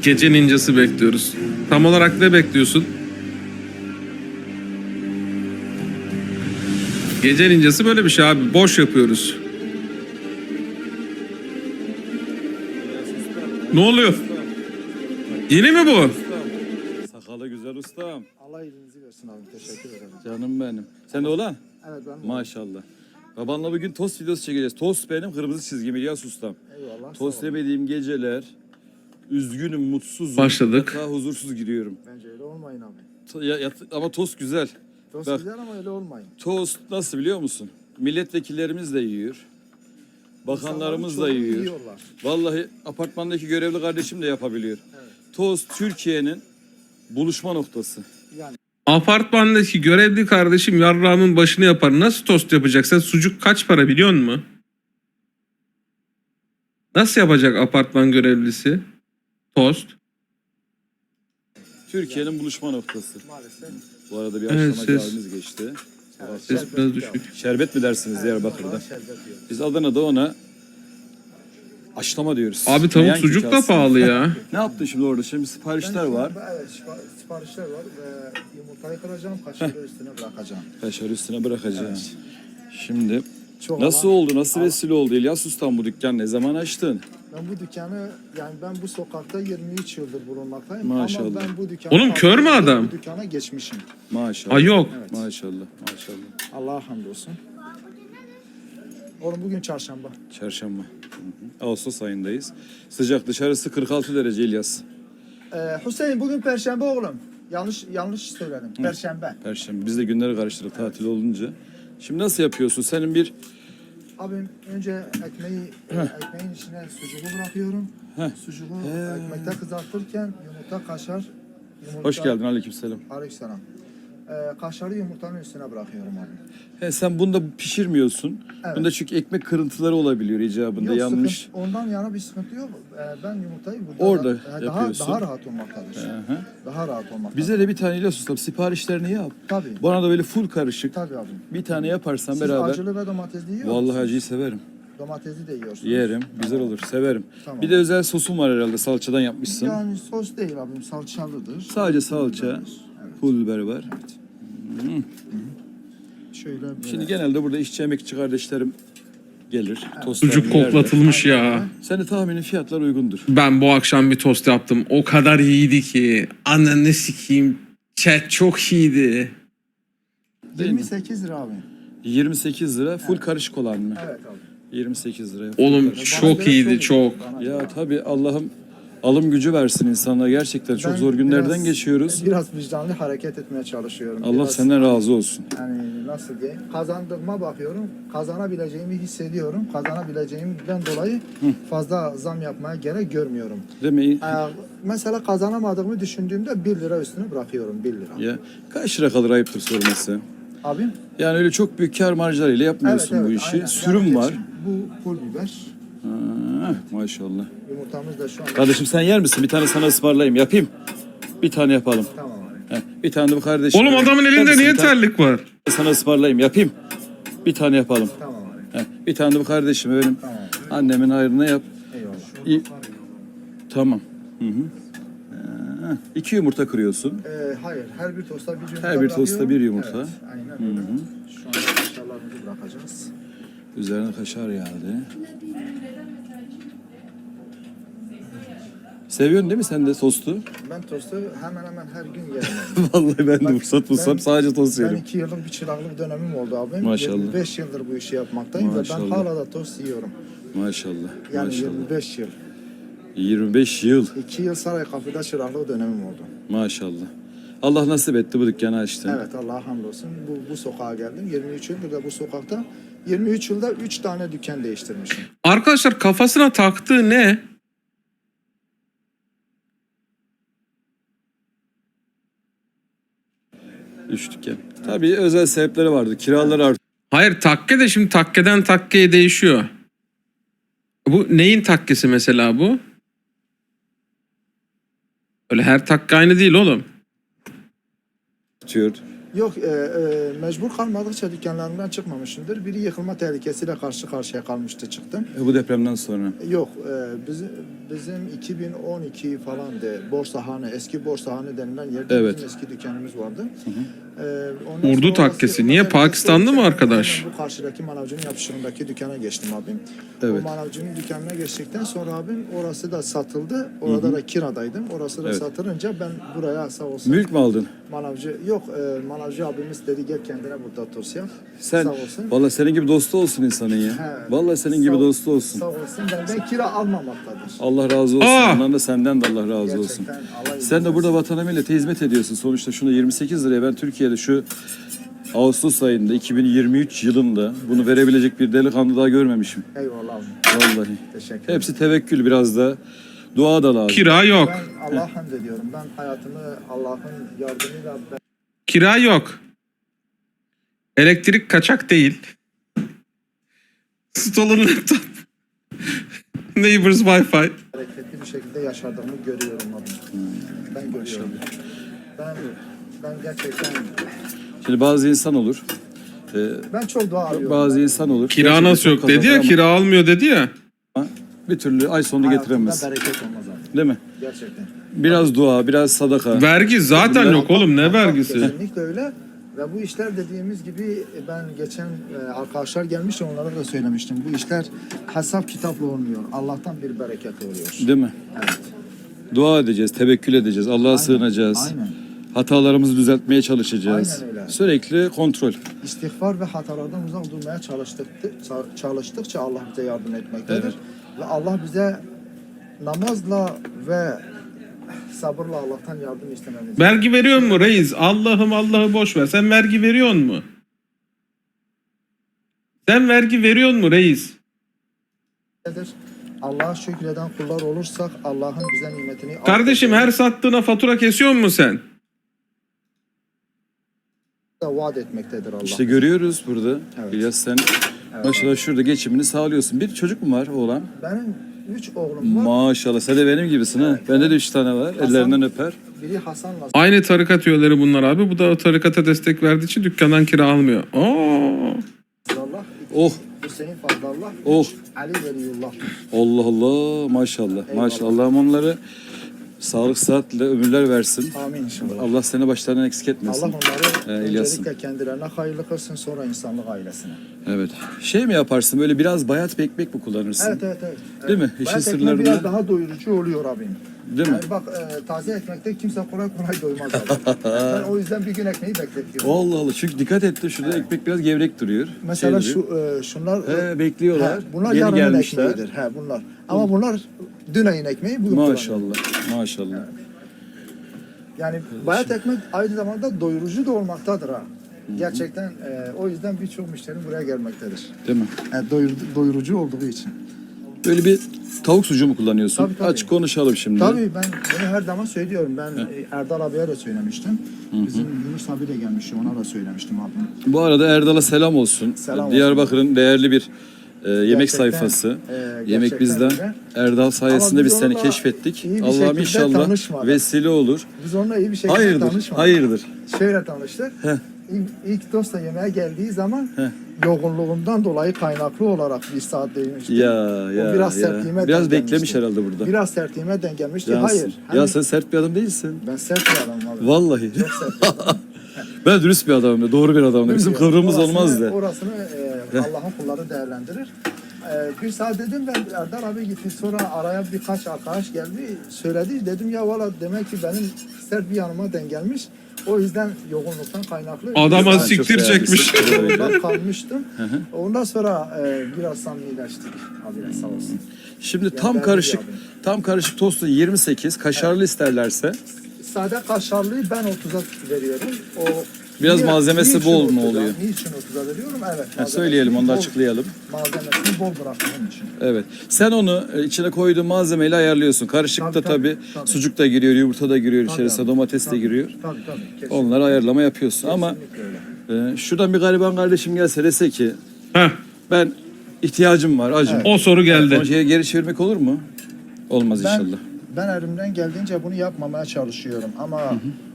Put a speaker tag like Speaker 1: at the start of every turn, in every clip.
Speaker 1: Gece ninjası bekliyoruz. Tam olarak ne bekliyorsun? Gece ninjası böyle bir şey abi. Boş yapıyoruz. Ne oluyor? Yeni mi bu?
Speaker 2: Sakalı güzel ustam.
Speaker 3: Allah iyiliğinizi versin abi. Teşekkür ederim.
Speaker 2: Canım benim. Sen de olan?
Speaker 3: Evet ben
Speaker 2: Maşallah. Babanla bugün tost videosu çekeceğiz. Tost benim kırmızı çizgim İlyas ustam.
Speaker 3: Eyvallah.
Speaker 2: Tost
Speaker 3: sağ olun.
Speaker 2: yemediğim geceler üzgünüm, mutsuzum.
Speaker 1: Başladık.
Speaker 2: Daha huzursuz giriyorum.
Speaker 3: Bence öyle olmayın abi.
Speaker 2: Ama tost güzel.
Speaker 3: Tost
Speaker 2: Bak.
Speaker 3: güzel ama öyle olmayın.
Speaker 2: Tost nasıl biliyor musun? Milletvekillerimiz de yiyor. Bakanlarımız da
Speaker 3: İnsanların çoğu
Speaker 2: yiyor.
Speaker 3: yiyorlar.
Speaker 2: Vallahi apartmandaki görevli kardeşim de yapabiliyor.
Speaker 3: Evet.
Speaker 2: Tost Türkiye'nin buluşma noktası.
Speaker 3: Yani
Speaker 1: Apartmandaki görevli kardeşim yarrağımın başını yapar. Nasıl tost yapacak? Sen sucuk kaç para biliyor musun? Nasıl yapacak apartman görevlisi? Tost.
Speaker 2: Türkiye'nin buluşma noktası.
Speaker 3: maalesef.
Speaker 2: Bu arada bir
Speaker 1: Evet,
Speaker 2: akşama
Speaker 1: ses.
Speaker 2: halimiz geçti.
Speaker 3: Evet,
Speaker 1: Ses
Speaker 3: şerbet
Speaker 1: biraz
Speaker 3: yok.
Speaker 1: düşük.
Speaker 2: Şerbet mi dersiniz Diyarbakır'da?
Speaker 3: Vallahi şerbet yok.
Speaker 2: Biz Adana'da ona aşlama diyoruz.
Speaker 1: Abi tavuk
Speaker 2: Meyan
Speaker 1: sucuk da
Speaker 2: kükası.
Speaker 1: pahalı ya.
Speaker 2: Ne yaptın şimdi orada? Şimdi siparişler var.
Speaker 3: Evet siparişler var ve yumurtayı kıracağım. Kaşarı üstüne bırakacağım.
Speaker 2: Kaşarı üstüne bırakacağım. Şimdi
Speaker 3: Çok
Speaker 2: nasıl
Speaker 3: ama-
Speaker 2: oldu? Nasıl vesile oldu? İlyas Ustam bu dükkan ne zaman açtın?
Speaker 3: Ben bu dükkanı yani ben bu sokakta 23 yıldır bulunmaktayım.
Speaker 2: Maşallah.
Speaker 3: Ama ben bu dükkanı...
Speaker 1: Oğlum kör mü adam?
Speaker 3: Bu dükkana geçmişim.
Speaker 2: Maşallah.
Speaker 1: Ay yok.
Speaker 3: Evet.
Speaker 2: Maşallah. Maşallah.
Speaker 3: Allah'a hamdolsun. Oğlum bugün çarşamba.
Speaker 2: Çarşamba. Hı hı. Ağustos ayındayız. Sıcak dışarısı 46 derece İlyas.
Speaker 3: Hüseyin bugün perşembe oğlum. Yanlış söyledim. Perşembe.
Speaker 2: Perşembe. Biz de günleri karıştırdık tatil olunca. Şimdi nasıl yapıyorsun? Senin bir
Speaker 3: Abim önce ekmeğin içine sucuğu bırakıyorum.
Speaker 2: Heh.
Speaker 3: Sucuğu ekmekte kızartırken yumurta kaşar.
Speaker 2: hoş geldin aleykümselam.
Speaker 3: Aleykümselam. Kaşarı yumurtanın üstüne bırakıyorum abi.
Speaker 2: He, sen bunda pişirmiyorsun.
Speaker 3: Evet.
Speaker 2: Bunda çünkü ekmek kırıntıları olabiliyor icabında
Speaker 3: Yok,
Speaker 2: yanlış.
Speaker 3: sıkıntı, ondan yana bir sıkıntı yok. Ben yumurtayı burada
Speaker 2: Orada
Speaker 3: daha
Speaker 2: yapıyorsun.
Speaker 3: rahat olmaktadır.
Speaker 2: Hı hı.
Speaker 3: Daha rahat olmaktadır.
Speaker 2: Bize de bir tane İlyas Ustam siparişlerini yap.
Speaker 3: Tabii.
Speaker 2: Bana da böyle full karışık.
Speaker 3: Tabii abim.
Speaker 2: Bir tane yaparsan
Speaker 3: Siz
Speaker 2: beraber.
Speaker 3: acılı ve domatesli yiyor
Speaker 2: Vallahi
Speaker 3: musunuz?
Speaker 2: acıyı severim.
Speaker 3: Domatesli de yiyorsunuz.
Speaker 2: Yerim. Güzel olur. Severim.
Speaker 3: Tamam.
Speaker 2: Bir de özel sosum var herhalde. Salçadan yapmışsın.
Speaker 3: Yani sos değil abim, salçalıdır.
Speaker 2: Sadece salça.
Speaker 3: Evet.
Speaker 2: Pul biber var.
Speaker 3: Şöyle böyle.
Speaker 2: Şimdi genelde burada işçi emekçi kardeşlerim gelir. Tostlarını
Speaker 1: Sucuk
Speaker 2: yerler.
Speaker 1: koklatılmış ya.
Speaker 2: Senin tahminin fiyatlar uygundur.
Speaker 1: Ben bu akşam bir tost yaptım. O kadar iyiydi ki. Ananı sikeyim. Chat çok iyiydi.
Speaker 2: Değil mi?
Speaker 3: 28 lira abi.
Speaker 2: 28 lira full karışık olan mı?
Speaker 3: Evet abi.
Speaker 2: 28 liraya.
Speaker 1: Oğlum
Speaker 3: Bana
Speaker 1: çok
Speaker 3: göre
Speaker 1: iyiydi
Speaker 3: iyi.
Speaker 1: çok.
Speaker 3: Bana göre.
Speaker 2: Ya tabii Allah'ım alım gücü versin insanlara. Gerçekten çok
Speaker 3: Ben
Speaker 2: zor günlerden
Speaker 3: biraz-
Speaker 2: geçiyoruz.
Speaker 3: Biraz vicdanlı hareket etmeye çalışıyorum.
Speaker 2: Allah
Speaker 3: Biraz,
Speaker 2: senden razı olsun.
Speaker 3: Yani nasıl diyeyim? Kazandığıma bakıyorum. Kazanabileceğimi hissediyorum. Kazanabileceğimden dolayı fazla zam yapmaya gerek görmüyorum.
Speaker 2: Değil mi?
Speaker 3: Mesela kazanamadığımı düşündüğümde 1 lira üstüne bırakıyorum. 1 lira.
Speaker 2: Ya kaç lira kalır ayıptır sorması.
Speaker 3: Abim?
Speaker 2: Yani öyle çok büyük kar marjlarıyla yapmıyorsun bu işi.
Speaker 3: aynen.
Speaker 2: Sürüm
Speaker 3: Yani
Speaker 2: var.
Speaker 3: Bu pul biber.
Speaker 2: Ha, maşallah.
Speaker 3: Yumurtamız da şu an.
Speaker 2: Kardeşim sen yer misin? Bir tane sana ısmarlayayım. Yapayım. Bir tane yapalım.
Speaker 3: Tamam abi.
Speaker 2: Heh, bir tane de bu kardeşim.
Speaker 1: Oğlum adamın
Speaker 2: Yer
Speaker 1: elinde
Speaker 2: misin?
Speaker 1: niye
Speaker 2: Bir tane
Speaker 1: terlik var?
Speaker 2: sana ısmarlayayım. Yapayım. Bir tane yapalım.
Speaker 3: Tamam abi.
Speaker 2: Heh, bir tane de bu kardeşime benim
Speaker 3: Tamam.
Speaker 2: annemin hayrına yap.
Speaker 3: Eyvallah.
Speaker 2: İyi. Tamam. Hı hı. 2 yumurta kırıyorsun.
Speaker 3: Hayır. Her bir tosta bir yumurta
Speaker 2: Her bir tosta
Speaker 3: bırakıyorum.
Speaker 2: bir yumurta.
Speaker 3: Evet. Aynen öyle. Şu anda kaşarlarımızı bırakacağız.
Speaker 2: Üzerine kaşar yağdı. Seviyorsun değil mi sen de tostu?
Speaker 3: Ben tostu hemen hemen her gün yerim.
Speaker 2: Vallahi ben de fırsat bulsam sadece tost
Speaker 3: Ben
Speaker 2: yerim.
Speaker 3: 2 yıllık bir çıraklık dönemim oldu abi.
Speaker 2: Maşallah.
Speaker 3: 25 yıldır bu işi yapmaktayım ve ben
Speaker 2: Maşallah.
Speaker 3: hala da tost yiyorum.
Speaker 2: Maşallah.
Speaker 3: Yani
Speaker 2: Maşallah.
Speaker 3: 25 yıl.
Speaker 2: 25 yıl.
Speaker 3: 2 yıl Saray Kafede çıraklık dönemim oldu.
Speaker 2: Maşallah. Allah nasip etti bu dükkanı açtın.
Speaker 3: Evet Allah'a hamdolsun. Bu sokağa geldim. 23 yıldır da bu sokakta. 23 yılda 3 tane dükkan değiştirmişim.
Speaker 1: Arkadaşlar kafasına taktığı ne?
Speaker 2: Üç dükkan. Tabii özel sebepleri vardı. Kiralar arttı.
Speaker 1: Hayır takke de şimdi takkeden takkeye değişiyor. Bu neyin takkesi mesela bu? Öyle her takke aynı değil oğlum.
Speaker 2: artıyor.
Speaker 3: Yok, mecbur kalmadıkça dükkanlarından çıkmamışımdır. Biri yıkılma tehlikesiyle karşı karşıya kalmıştı, çıktım.
Speaker 2: Bu depremden sonra.
Speaker 3: Yok, bizim 2012 falandı. Borsahane, eski Borsahane denilen yerde
Speaker 2: Evet.
Speaker 3: bizim eski dükkanımız vardı.
Speaker 1: Urdu
Speaker 3: sonra
Speaker 1: takkesi.
Speaker 3: orası
Speaker 1: Niye?
Speaker 3: yıkılma
Speaker 1: Pakistanlı mı
Speaker 3: tehlikesi
Speaker 1: arkadaş?
Speaker 3: olunca Bu karşıdaki manavcının yapışırındaki dükkana geçtim abim.
Speaker 2: Evet.
Speaker 3: O manavcının dükkanına geçtikten sonra abim orası da satıldı. Orada da kiradaydım. Orası da
Speaker 2: Evet.
Speaker 3: satılınca ben buraya sağ olsun.
Speaker 2: Mülk mü aldın?
Speaker 3: Manavcı yok, manavcı abimiz dedi gel kendine burada otur yap.
Speaker 2: Sen
Speaker 3: Sağ olsun.
Speaker 2: vallahi senin gibi dostu olsun insanın ya.
Speaker 3: He.
Speaker 2: Vallahi senin gibi
Speaker 3: Sağ-
Speaker 2: dostu olsun.
Speaker 3: Sağ olsun, benden kira almamaktadır.
Speaker 2: Allah razı olsun.
Speaker 1: Aa!
Speaker 2: Ondan da senden de Allah razı olsun.
Speaker 3: Gerçekten Allah
Speaker 2: Sen de
Speaker 3: iyilik
Speaker 2: burada
Speaker 3: versin.
Speaker 2: vatana millete hizmet ediyorsun. Sonuçta şunu 28 liraya ben Türkiye'de şu Ağustos ayında 2023 yılında bunu verebilecek bir delikanlı daha görmemişim.
Speaker 3: Eyvallah abi.
Speaker 2: Vallahi.
Speaker 3: Teşekkür ederim.
Speaker 2: Hepsi tevekkül, biraz da dua da lazım.
Speaker 1: Kira yok.
Speaker 3: Ben Allah'a hamd ediyorum. Ben hayatımı Allah'ın yardımıyla
Speaker 1: Kira yok. Elektrik kaçak değil. Stolen laptop. Neighbors Wi-Fi.
Speaker 3: hareketli bir şekilde yaşadığımı görüyorum abi. Ben görüyorum. Ben gerçekten
Speaker 2: Şimdi bazı insan olur.
Speaker 3: ben çok dua arıyorum.
Speaker 2: Bazı insan olur.
Speaker 1: Kira
Speaker 2: Gerçekten
Speaker 1: nasıl yok
Speaker 2: çok
Speaker 1: dedi ya.
Speaker 2: kazanır
Speaker 1: Kira almıyor dedi ya.
Speaker 2: ama bir türlü ay sonunu getiremez.
Speaker 3: Hayatımda bereket olmaz abi.
Speaker 2: Değil mi?
Speaker 3: Gerçekten.
Speaker 2: Biraz dua, biraz sadaka.
Speaker 1: Vergi zaten yok oğlum. Ne vergisi?
Speaker 3: Kesinlikle öyle. Ve bu işler dediğimiz gibi ben geçen arkadaşlar gelmişti, onlara da söylemiştim. Bu işler hesap kitapla olmuyor. Allah'tan bir bereket oluyor.
Speaker 2: Değil mi?
Speaker 3: Evet.
Speaker 2: Dua edeceğiz, tevekkül edeceğiz, Allah'a sığınacağız.
Speaker 3: Aynen.
Speaker 2: Hatalarımızı düzeltmeye çalışacağız.
Speaker 3: Aynen öyle.
Speaker 2: Sürekli kontrol.
Speaker 3: İstiğfar ve hatalardan uzak durmaya çalıştıkça Allah bize yardım etmektedir.
Speaker 2: Evet.
Speaker 3: Ve Allah bize namazla ve sabırla Allah'tan yardım istememiz.
Speaker 1: Vergi veriyor mu reis? Allah'ı boş ver. Sen vergi veriyor mu? Sen vergi veriyor mu reis?
Speaker 3: Allah'a şükreden kullar olursak Allah'ın bize nimetini
Speaker 1: Kardeşim her sattığına fatura kesiyor mu sen?
Speaker 3: da vaat etmektedir Allah.
Speaker 2: İşte görüyoruz burada.
Speaker 3: Evet.
Speaker 2: İlyas sen maşallah şurada geçimini sağlıyorsun. Bir çocuk mu var oğlan?
Speaker 3: Benim 3 oğlum var.
Speaker 2: Maşallah sen de benim gibisin ha. Bende de 3 tane var.
Speaker 3: Hasan-
Speaker 2: Ellerinden öper.
Speaker 3: Biri Hasan'la
Speaker 1: Aynı tarikat üyeleri bunlar abi. Bu da o tarikata destek verdiği için dükkandan kira almıyor. Oo.
Speaker 3: Allah,
Speaker 2: Oh
Speaker 3: Hüseyin Fazlallah,
Speaker 2: oh.
Speaker 3: Ali Veliyullah.
Speaker 2: Allah Allah maşallah.
Speaker 3: Eyvallah.
Speaker 2: Maşallah. Allah'ım onları sağlık sıhhatle ömürler versin.
Speaker 3: Amin inşallah.
Speaker 2: Allah seni başlarından eksik etmesin.
Speaker 3: Allah onları
Speaker 2: İlyas'ım.
Speaker 3: öncelikle kendilerine hayırlı kılsın, sonra insanlık ailesine.
Speaker 2: Evet. Şey mi yaparsın böyle biraz bayat bir ekmek mi kullanırsın?
Speaker 3: Evet.
Speaker 2: Değil mi? İşin
Speaker 3: Bayat ekmek
Speaker 2: sırlarını-
Speaker 3: biraz daha doyurucu oluyor abim.
Speaker 2: Değil mi?
Speaker 3: Yani bak taze ekmekte kimse kolay doymaz abi. Ben o yüzden bir gün ekmeği bekletiyorum.
Speaker 2: Allah Allah. Çünkü dikkat etti şurada ekmek biraz gevrek duruyor.
Speaker 3: Mesela
Speaker 2: Şey duruyor.
Speaker 3: şunlar
Speaker 2: Bekliyorlar.
Speaker 3: bunlar
Speaker 2: Yeni
Speaker 3: yarının
Speaker 2: gelmişler.
Speaker 3: ekmeğidir. Bunlar. Ama bunlar dün ayın ekmeği bugün kullanıyor.
Speaker 2: Maşallah. Maşallah.
Speaker 3: Yani bayat ekmek aynı zamanda doyurucu da olmaktadır ha. Gerçekten o yüzden birçok müşterim buraya gelmektedir.
Speaker 2: Değil mi?
Speaker 3: Yani doyurucu olduğu için.
Speaker 2: Böyle bir tavuk sucuğu mu kullanıyorsun?
Speaker 3: Tabii.
Speaker 2: Açık konuşalım şimdi.
Speaker 3: Tabii ben bunu her zaman söylüyorum. Ben Erdal abiye de söylemiştim. Bizim Yunus abi de gelmişti. Ona da söylemiştim abi.
Speaker 2: Bu arada Erdal'a selam olsun.
Speaker 3: Selam
Speaker 2: Diyarbakır'ın değerli bir yemek
Speaker 3: Gerçekten,
Speaker 2: sayfası. Yemek
Speaker 3: gerçekten
Speaker 2: bizden.
Speaker 3: öyle.
Speaker 2: Erdal sayesinde
Speaker 3: Ama
Speaker 2: biz
Speaker 3: biz
Speaker 2: seni
Speaker 3: onunla
Speaker 2: keşfettik.
Speaker 3: iyi bir
Speaker 2: Allah'ım
Speaker 3: şekilde
Speaker 2: inşallah
Speaker 3: tanışmadık.
Speaker 2: vesile olur.
Speaker 3: Biz onunla iyi bir şekilde
Speaker 2: Hayırdır?
Speaker 3: tanışmadık.
Speaker 2: Hayırdır?
Speaker 3: Şöyle tanıştık.
Speaker 2: Heh.
Speaker 3: İlk dostla yemeğe geldiği zaman
Speaker 2: Heh.
Speaker 3: yoğunluğundan dolayı kaynaklı olarak bir saat değmişti.
Speaker 2: Ya
Speaker 3: O biraz
Speaker 2: ya.
Speaker 3: sertliğime
Speaker 2: Biraz
Speaker 3: denk
Speaker 2: beklemiş
Speaker 3: gelmişti.
Speaker 2: herhalde burada.
Speaker 3: Biraz sertliğime denk gelmişti.
Speaker 2: Cansın.
Speaker 3: Hayır.
Speaker 2: Ya
Speaker 3: Hani
Speaker 2: sen sert bir adam değilsin.
Speaker 3: ben sert bir adamım abi.
Speaker 2: Vallahi.
Speaker 3: Çok sert bir adamım.
Speaker 2: Ben dürüst bir adamım da, doğru bir adamım da. Bizim
Speaker 3: Bilmiyorum.
Speaker 2: kıvrımız
Speaker 3: Orasını-
Speaker 2: olmaz da.
Speaker 3: Orasını Allah'ın kulları değerlendirir. Bir saat dedim ben Erdal abi gitti. Sonra araya birkaç arkadaş geldi. Söyledi. Dedim ya valla demek ki benim sert bir yanıma denk gelmiş. O yüzden yoğunluktan kaynaklı.
Speaker 1: Adama
Speaker 3: Biraz-
Speaker 1: siktir
Speaker 2: çok
Speaker 1: çekmiş.
Speaker 2: beğendim.
Speaker 3: Ondan kalmıştım. Ondan sonra biraz samimileştik. Abi sağ olsun.
Speaker 2: Şimdi
Speaker 3: Yani
Speaker 2: tam
Speaker 3: ben
Speaker 2: karışık,
Speaker 3: de abi.
Speaker 2: tam karışık tostu 28, kaşarlı isterlerse
Speaker 3: Sade kaşarlıyı ben 30'a veriyorum. O
Speaker 2: Biraz malzemesi
Speaker 3: niçin
Speaker 2: bol mu
Speaker 3: 30'a?
Speaker 2: oluyor?
Speaker 3: Niçin 30'a veriyorum? Evet.
Speaker 2: söyleyelim, onu da
Speaker 3: bol-
Speaker 2: açıklayalım.
Speaker 3: Malzemesini bol bıraktığım için.
Speaker 2: Evet. Sen onu içine koyduğun malzemeyle ayarlıyorsun. Karışıkta
Speaker 3: Tabii,
Speaker 2: tabii,
Speaker 3: tabii.
Speaker 2: sucuk da giriyor, yumurta da giriyor içerisine,
Speaker 3: Tabii,
Speaker 2: domates de
Speaker 3: tabii,
Speaker 2: giriyor.
Speaker 3: Tabii. Kesinlikle.
Speaker 2: Onları ayarlama yapıyorsun. Ama
Speaker 3: Kesinlikle
Speaker 2: şuradan bir gariban kardeşim gelse dese ki
Speaker 1: Heh,
Speaker 2: ben ihtiyacım var, acım.
Speaker 1: o soru
Speaker 2: Onu
Speaker 1: geldi.
Speaker 2: şeye geri çevirmek olur mu? Olmaz inşallah.
Speaker 3: Ben elimden geldiğince bunu yapmamaya çalışıyorum ama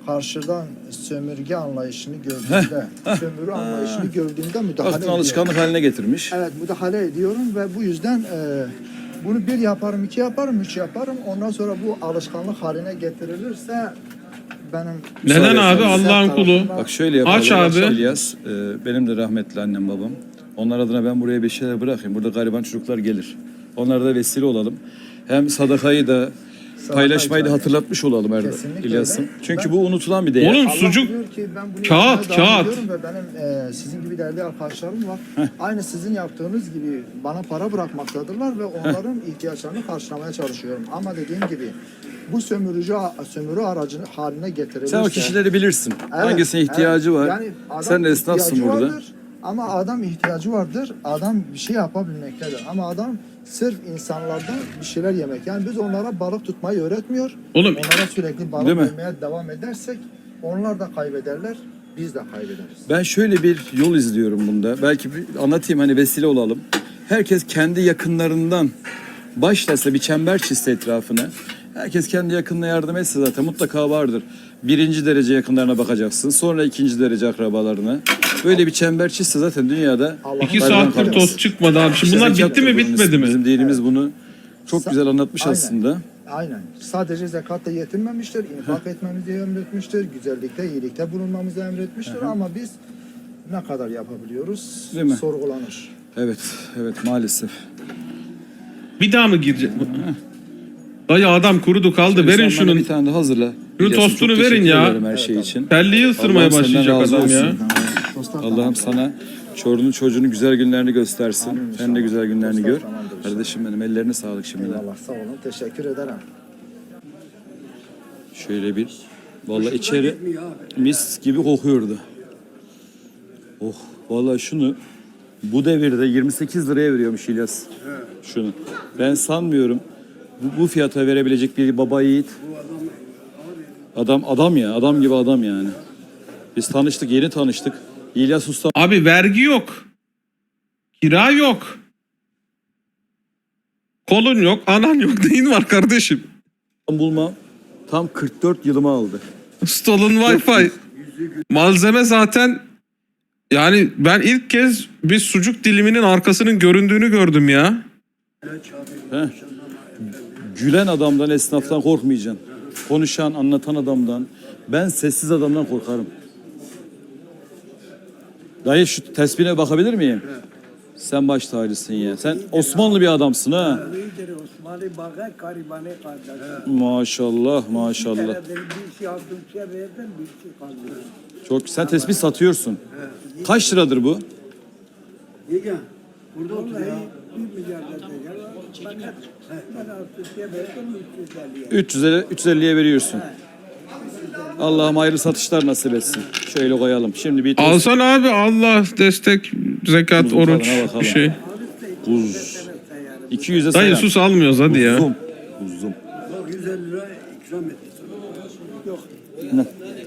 Speaker 3: karşıdan sömürge anlayışını gördüğümde, sömürü anlayışını gördüğümde müdahale
Speaker 2: Baktın
Speaker 3: ediyorum.
Speaker 2: alışkanlık haline getirmiş.
Speaker 3: Evet, müdahale ediyorum ve bu yüzden bunu bir yaparım, iki yaparım, üç yaparım. Ondan sonra bu alışkanlık haline getirilirse benim...
Speaker 1: Neden abi?
Speaker 3: Sen
Speaker 1: Allah'ın kulu.
Speaker 3: tarafından-
Speaker 2: Bak şöyle yapalım.
Speaker 1: Aç abi.
Speaker 2: İlyas, benim de rahmetli annem babam. Onlar adına ben buraya bir şeyler bırakayım. Burada gariban çocuklar gelir. Onlara da vesile olalım. Hem sadakayı da paylaşmayı da hatırlatmış olalım
Speaker 3: Kesinlikle
Speaker 2: İlyas'ım.
Speaker 3: öyle.
Speaker 2: Çünkü bu unutulan bir değer.
Speaker 1: Oğlum
Speaker 3: Allah
Speaker 1: sucuk
Speaker 3: biliyor ki ben bunu
Speaker 1: kağıt,
Speaker 3: yapmaya devam
Speaker 1: kağıt.
Speaker 3: ediyorum ve benim sizin gibi değerli arkadaşlarım var. Aynı sizin yaptığınız gibi bana para bırakmaktadırlar ve onların ihtiyaçlarını karşılamaya çalışıyorum. Ama dediğim gibi bu sömürü aracı haline getirilirse...
Speaker 2: Sen o kişileri bilirsin.
Speaker 3: Evet,
Speaker 2: Hangisine ihtiyacı
Speaker 3: evet.
Speaker 2: var?
Speaker 3: Yani adam
Speaker 2: Sen de esnafsın
Speaker 3: ihtiyacı
Speaker 2: burada.
Speaker 3: vardır ama adam ihtiyacı vardır. Adam bir şey yapabilmektedir. Ama adam sırf insanlardan bir şeyler yemek. Yani biz onlara balık tutmayı öğretmiyor.
Speaker 1: Oğlum-
Speaker 3: Onlara sürekli balık
Speaker 2: Değil mi?
Speaker 3: vermeye devam edersek onlar da kaybederler. Biz de kaybederiz.
Speaker 2: Ben şöyle bir yol izliyorum bunda. Belki bir anlatayım hani vesile olalım. Herkes kendi yakınlarından başlasa bir çember çizse etrafına. Herkes kendi yakınına yardım etse zaten mutlaka vardır. Birinci derece yakınlarına bakacaksın. Sonra ikinci derece akrabalarına. Böyle bir çember çizse zaten dünyada...
Speaker 3: Allah'ın
Speaker 1: 2
Speaker 2: Gariban
Speaker 1: saattir
Speaker 2: kalmaz.
Speaker 1: tost çıkmadı abi. Şimdi
Speaker 2: İşte
Speaker 1: bunlar
Speaker 2: zekat
Speaker 1: bitti mi
Speaker 2: bunun
Speaker 1: bitmedi
Speaker 2: ismi.
Speaker 1: mi?
Speaker 2: Bizim dinimiz bunu çok
Speaker 3: Sa-
Speaker 2: güzel anlatmış
Speaker 3: Aynen.
Speaker 2: aslında.
Speaker 3: Aynen. Sadece zekatla yetinmemiştir. İnfak etmemizi emretmiştir. Güzellikte, iyilikte bulunmamızı emretmiştir. Ama biz ne kadar yapabiliyoruz?
Speaker 2: Değil mi?
Speaker 3: Sorgulanır.
Speaker 2: Evet, evet maalesef.
Speaker 1: Bir daha mı girecek? Dayı adam kurudu kaldı.
Speaker 2: Şöyle
Speaker 1: Verin
Speaker 2: sen bana
Speaker 1: şunun.
Speaker 2: bir tane de hazırla.
Speaker 1: Şunun
Speaker 2: İlyas'ım,
Speaker 1: tostunu
Speaker 2: çok
Speaker 1: verin
Speaker 2: teşekkür
Speaker 1: ya.
Speaker 2: ederim her şey için.
Speaker 1: Telliyi ısırmaya
Speaker 2: Allah'ım senden
Speaker 1: başlayacak
Speaker 2: razı
Speaker 1: adam ya.
Speaker 2: olsun. Allah'ım sana çorunun çocuğunun güzel günlerini göstersin. Sen de güzel günlerini gör.
Speaker 3: Tamamdır.
Speaker 2: Kardeşim benim ellerine sağlık şimdiden.
Speaker 3: Eyvallah, sağ olun. Teşekkür ederim.
Speaker 2: Şöyle bir vallahi içeri mis gibi kokuyordu. Oh vallahi şunu bu devirde 28 liraya veriyormuş İlyas. Şunu. Ben sanmıyorum bu fiyata verebilecek bir baba yiğit. Adam ya. Adam gibi adam yani. Biz tanıştık, yeni tanıştık. İlyas Usta
Speaker 1: Abi vergi yok. Kira yok. Kolun yok, anan yok. Neyin var kardeşim?
Speaker 2: bulma tam 44 yılımı aldı.
Speaker 1: Stolen Wi-Fi. Malzeme zaten yani ben ilk kez bir sucuk diliminin arkasının göründüğünü gördüm ya.
Speaker 2: Heh. Gülen adamdan, esnaftan korkmayacaksın. Konuşan, anlatan adamdan. Ben sessiz adamdan korkarım. Dayı şu tesbihine bakabilir miyim? Sen baş tacısın ya. Sen Osmanlı bir adamsın ha.
Speaker 4: İyidir Osmanlı Bağa Karibane kardeşim.
Speaker 2: Maşallah, maşallah.
Speaker 4: Bir şey aldım, şey verdim, bir şey kaldı.
Speaker 2: Çok. Sen tesbih satıyorsun. Kaç liradır bu?
Speaker 4: Yega, burada otur ya. 1 milyar dediler. Fakat ben artık şey verdim, 350'ye.
Speaker 2: 350'ye veriyorsun. Allah'ım hayırlı satışlar nasip etsin. Şöyle koyalım. Şimdi bir tost.
Speaker 1: Alsan abi Allah destek, zekat,
Speaker 2: Buzun
Speaker 1: oruç
Speaker 2: tadına bakalım.
Speaker 1: bir şey.
Speaker 2: Buz. 200'e
Speaker 1: Dayı
Speaker 2: sayar.
Speaker 1: sus almıyoruz hadi ya.
Speaker 2: Uzun. Uzun.
Speaker 4: Bak 150 lira ikram etti sana. Yok.
Speaker 2: Ne?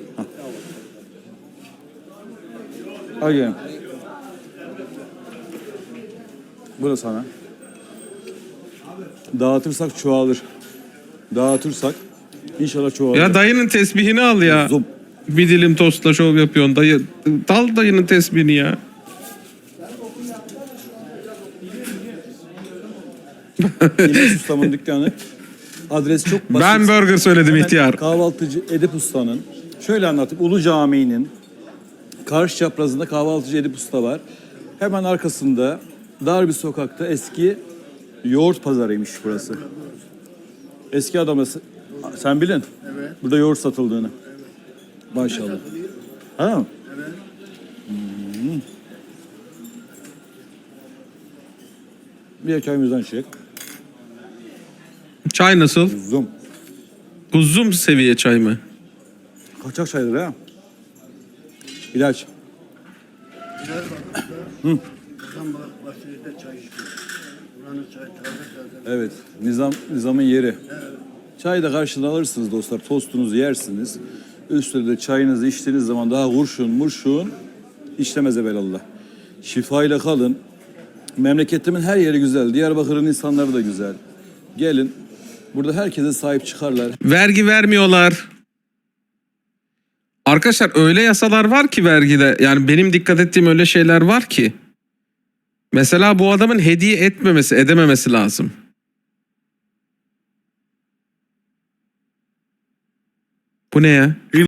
Speaker 2: Al gel. Bu da sana. Dağıtırsak çoğalır. Dağıtırsak inşallah çoğalır.
Speaker 1: Ya dayının tesbihini al ya.
Speaker 2: Uzun.
Speaker 1: Bir dilim tostla şov yapıyorsun dayı. Dal dayının tesbihini ya.
Speaker 2: İlyas Usta'nın dükkanı. Adres çok basit.
Speaker 1: Ben burger söyledim
Speaker 2: Hemen
Speaker 1: ihtiyar.
Speaker 2: Kahvaltıcı Edip Usta'nın. Şöyle anlatayım. Ulu Camii'nin karşı çaprazında kahvaltıcı Edip Usta var. Hemen arkasında dar bir sokakta eski yoğurt pazarıymış burası. Eski adamı sen bilin. Evet. Burada yoğurt satıldığını. Evet. Maşallah. Ha? Evet. Bir çayımızdan çek.
Speaker 1: Çay nasıl?
Speaker 2: Zoom.
Speaker 1: Kuzum seviye çay mı?
Speaker 2: Kaçak çaydır ha. İlaç.
Speaker 4: Adam Bahçeli'de çay içiyor. Buranın çayı taze taze.
Speaker 2: Evet. Nizamın yeri. Çayı da karşılığında alırsınız dostlar. Tostunuzu yersiniz. Üstüne de çayınızı içtiğiniz zaman daha murşun işlemez evelallah. Şifayla kalın. Memleketimin her yeri güzel. Diyarbakır'ın insanları da güzel. Gelin. Burada herkese sahip çıkarlar.
Speaker 1: Vergi vermiyorlar. Arkadaşlar öyle yasalar var ki vergide. Yani benim dikkat ettiğim öyle şeyler var ki. Mesela bu adamın hediye edememesi lazım. Bu ne ya?